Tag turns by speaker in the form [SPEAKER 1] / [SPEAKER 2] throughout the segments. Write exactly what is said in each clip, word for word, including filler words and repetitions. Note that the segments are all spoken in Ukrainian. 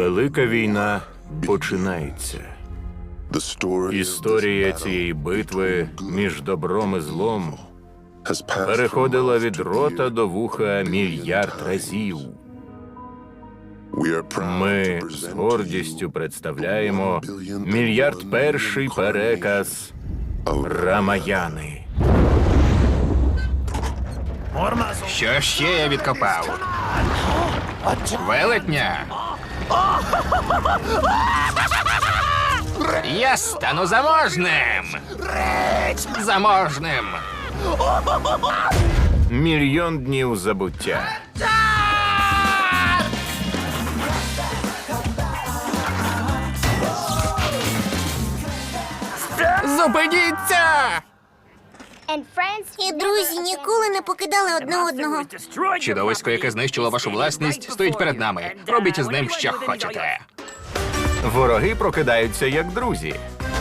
[SPEAKER 1] Велика війна починається. Історія цієї битви між добром і злом переходила від рота до вуха мільярд разів. Ми з гордістю представляємо мільярд перший переказ Рамаяни.
[SPEAKER 2] Що ще я відкопав? Велетня? Я стану заможним! Заможним!
[SPEAKER 1] Мільйон днів забуття.
[SPEAKER 2] Зупиніться!
[SPEAKER 3] І друзі ніколи не покидали одне одного.
[SPEAKER 2] Чудовисько, яке знищило вашу власність, стоїть перед нами. Робіть з ним, що хочете.
[SPEAKER 1] Вороги прокидаються як друзі.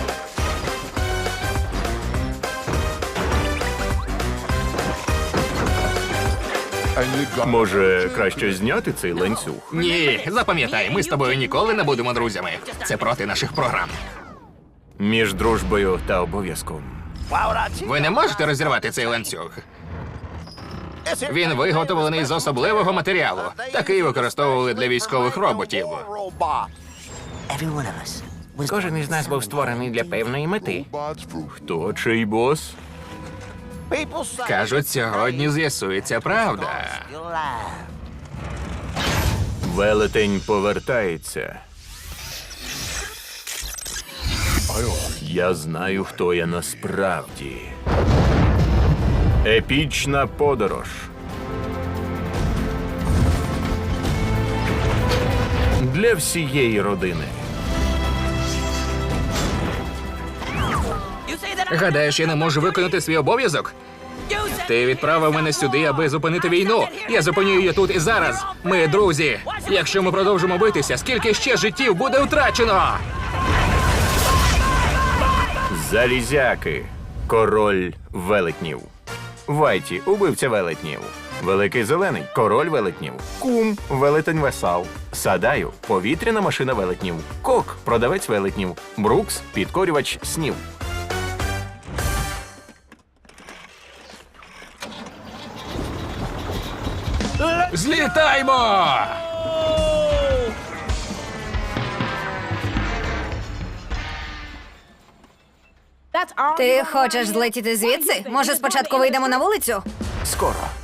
[SPEAKER 1] Може, краще зняти цей ланцюг?
[SPEAKER 2] Ні, запам'ятай, ми з тобою ніколи не будемо друзями. Це проти наших програм.
[SPEAKER 1] Між дружбою та обов'язком.
[SPEAKER 2] Ви не можете розірвати цей ланцюг. Він виготовлений з особливого матеріалу. Такий використовували для військових роботів.
[SPEAKER 4] Кожен із нас був створений для певної мети.
[SPEAKER 1] Хто чий бос?
[SPEAKER 2] Кажуть, сьогодні з'ясується правда.
[SPEAKER 1] Велетень повертається. Я знаю, хто я насправді. Епічна подорож. Для всієї родини.
[SPEAKER 2] Гадаєш, я не можу виконати свій обов'язок? Ти відправив мене сюди, аби зупинити війну. Я зупиню її тут і зараз. Ми друзі. Якщо ми продовжимо битися, скільки ще життів буде втрачено?
[SPEAKER 1] Залізяки. Король велетнів. Вайті – убивця велетнів. Великий зелений – король велетнів. Кум – велетень весал. Садаю – повітряна машина велетнів. Кок – продавець велетнів. Брукс – підкорювач снів.
[SPEAKER 2] Злітаймо!
[SPEAKER 5] Ти хочеш злетіти звідси? Може, спочатку вийдемо на вулицю?
[SPEAKER 1] Скоро.